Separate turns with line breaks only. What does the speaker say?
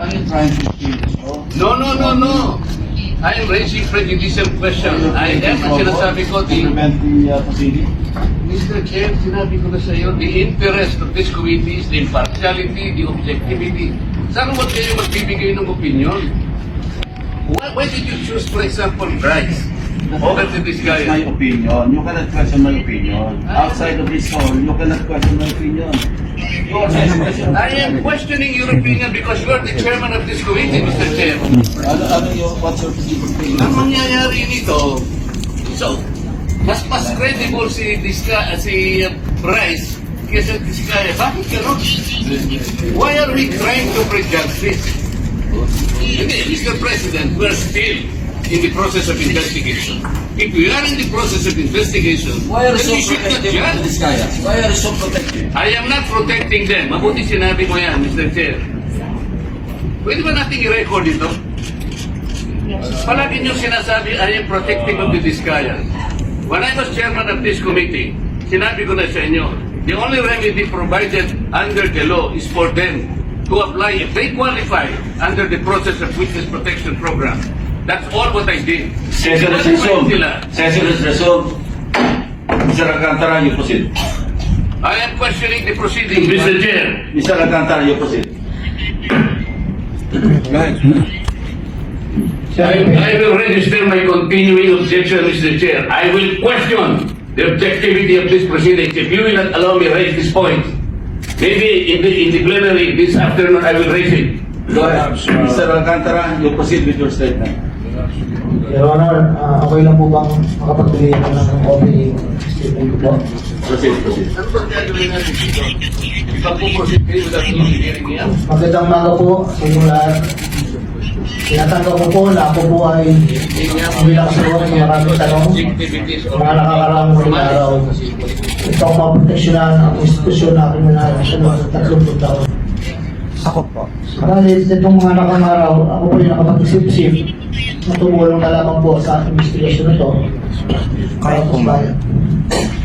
Are you trying to steal the show?
No. I am raising prejudicial question. I am, ang sinasabi ko,
To prevent the proceeding?
Mr. Chair, sinabi ko na sa iyo, the interest of this committee is the impartiality, the objectivity. Saan mo kayo magbibigay ng opinion? Why did you choose, for example, Bryce over to this guy?
It's my opinion. You cannot question my opinion. Outside of this hall, you cannot question my opinion. You are asking question.
I am questioning your opinion because you are the chairman of this committee, Mr. Chair.
What's your opinion?
Ang mangyayari nito, so, mas credible si Bryce kesa Diskaya. Bakit gano'n? Why are we trying to prejudge this? Hindi, Mr. President, we're still in the process of investigation. If we are in the process of investigation,
Why are you
then
so
we should not
protective of
judge.
this guy? Why are you so protective?
I am not protecting them. Mabuti sinabi mo yan, Mr. Chair. Pwede ba natin i-record ito? Palagi nyo sinasabi, I am protecting of the Diskaya. When I was chairman of this committee, sinabi ko na sa inyo, the only remedy provided under the law is for them to apply if they qualify under the process of witness protection program. That's all what I did.
Session is resumed. Session is resumed. Mr. Alcantara, you proceed.
I am questioning the proceeding, Mr. Chair.
Mr. Alcantara, you proceed.
I will register my continuing objection, Mr. Chair. I will question the objectivity of this proceedings. If you will not allow me to raise this point, maybe in the plenary this afternoon I will raise it.
Go ahead. Mr. Alcantara, you proceed with your statement.
Your Honor, okay lang po bang makapagbigay ako ng opening statement ko po?
Proceed.
Ano ba gagawin natin dito? Ipag-proceed kayo without hearing niya?
Magandang umaga po sa inyong lahat. Tinatanggap ko po na ako po ay bilang sagot ng maraming tanong mga nakakaraang mga araw. Ito ang maproteksyonan ang institusyon na aking minahasyon sa 30 taon. Ako po. Dahil sa itong mga nakangaraw, ako po yung nakapag-isip-isip na tumulong na lamang po sa investigasyon na ito. Para po bayan.